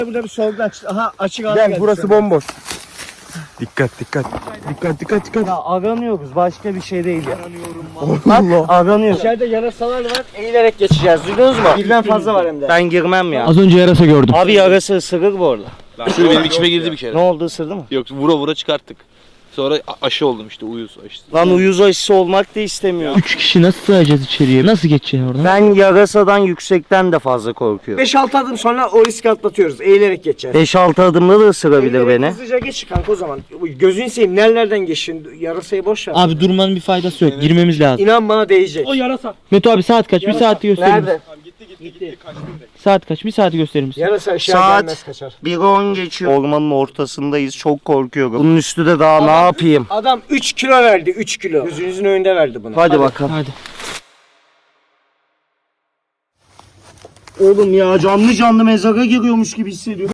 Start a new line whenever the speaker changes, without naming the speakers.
Burada bir sorgu açtı. Aha açık alan
Gel
geldi
burası
şu an.
bomboş. Dikkat dikkat. Dikkat dikkat dikkat.
Ya aranıyoruz başka bir şey değil ya.
Allah.
Aranıyoruz.
İçeride yarasalar var. Eğilerek geçeceğiz. Duydunuz mu? Birden fazla var hem de.
Ben girmem ya.
Az önce yarasa gördüm.
Abi yarası ısırır bu arada.
Şöyle benim içime girdi bir kere.
Ne oldu, ısırdı mı?
Yok vura vura çıkarttık. Sonra aşı oldum işte uyuz aşısı.
Lan uyuz aşısı olmak da istemiyorum.
3 kişi nasıl sığacağız içeriye? Nasıl geçeceğiz oradan?
Ben yarasadan yüksekten de fazla korkuyorum.
5-6 adım sonra o riski atlatıyoruz. Eğilerek geçeceğiz.
5-6 adımda da ısırabilir
Eğilerek
beni.
Hızlıca geç kanka o zaman. Gözünü seveyim nereden geçin? Yarasayı boş ver.
Abi durmanın bir faydası yok. Girmemiz lazım.
İnan bana değecek.
Meto abi saat kaç? Bir saati gösterir misin?
Nerede?
Saat kaç? Bir saati gösterir misin?
Yarasa aşağı
Saat-
gelmez kaçar.
1:10 geçiyor. Ormanın ortasındayız. Çok korkuyorum. Bunun üstü de daha ne yapayım?
Adam 3 kilo verdi 3 kilo. Gözünüzün önünde verdi bunu.
Hadi bakalım.
Hadi.
Oğlum ya canlı canlı mezara giriyormuş gibi hissediyorum.